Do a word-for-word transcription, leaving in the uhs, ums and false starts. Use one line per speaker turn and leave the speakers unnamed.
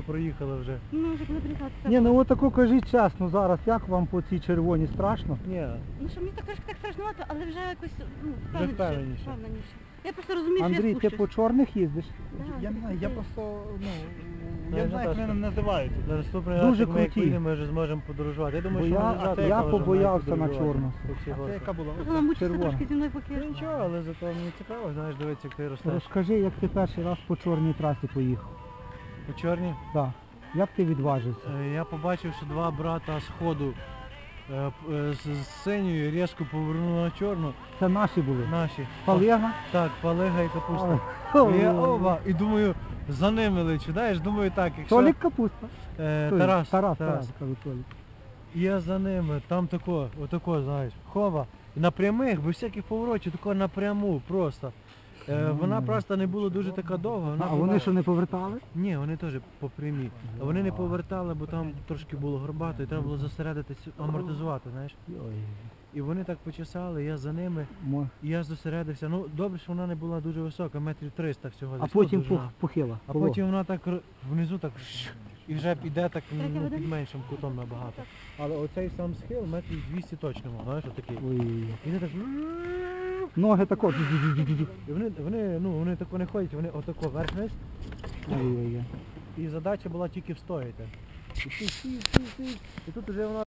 проїхали вже.
Ну, вже коли приїхати.
Ні, ну отако кажіть чесно зараз, як вам по цій червоній страшно?
Ні.
Ну, що мені так трошки так страшнувато, але вже якось, ну,
Вже
впевненіше.
впевненіше.
впевненіше. Я просто розумію, що
Андрій,
я
ти
спущусь.
по чорних їздиш?
Да,
Я не знаю, я
це-
просто, ну,
Ну,
я
я
не знаю, як
теж.
мене називають.
На наступний
Дуже
раз, як ми як
круті.
поїдемо, ми вже зможемо подорожувати. Я думаю,
Бо
що
я-
ми завтра
я
можемо
побоявся на
подорожувати
чорну.
по всій
А це
горці.
яка була?
Вона мучиться
червона.
трошки зі мною поки.
Ну нічого, але зато мені цікаво, знаєш, дивитися, як ти ростеш.
Розкажи, як ти перший раз по чорній трасі поїхав.
По чорній.
Так. Як ти відважився?
Е, Я побачив, що два брата з ходу е, п- е, з з синьою різко повернули на чорну.
Це наші були.
Наші.
Палега?
Так, палега і капуста.
Ой.
І я оба, і думаю, за ними лечу, знаєш, думаю так, якщо...
Толік Капуста.
Е,
Той,
Тарас,
Тарас,
Тарас.
Тарас, кажу, Толік.
І я за ними, там тако, отако, знаєш, хова. І на прямих, без всяких поворотів, тако напряму просто. Е, вона просто не була дуже така довга. Вона
А
була...
вони що не повертали?
Ні, вони теж по прямій. А вони не повертали, бо там трошки було горбато і треба було зосередитись, амортизувати, знаєш. І вони так почесали, я за ними,
Мо-
і я зосередився. Ну, добре, що вона не була дуже висока, метрів триста всього.
А
десь, ну,
потім
довжина.
пух- похила.
А
Було.
потім вона так р- внизу так шш, і вже піде так
Третя
ну,
година?
під меншим кутом набагато. Але оцей сам схил метрів двісті точно мав, знаєш, отакий.
Ой.
І вони так
Ноги тако.
і вони, вони, ну, вони тако не ходять, вони отако вверх-вниз.
Ой-ой-ой.
І задача була тільки встояти. І, ти сів, сів, сів, і тут вже вона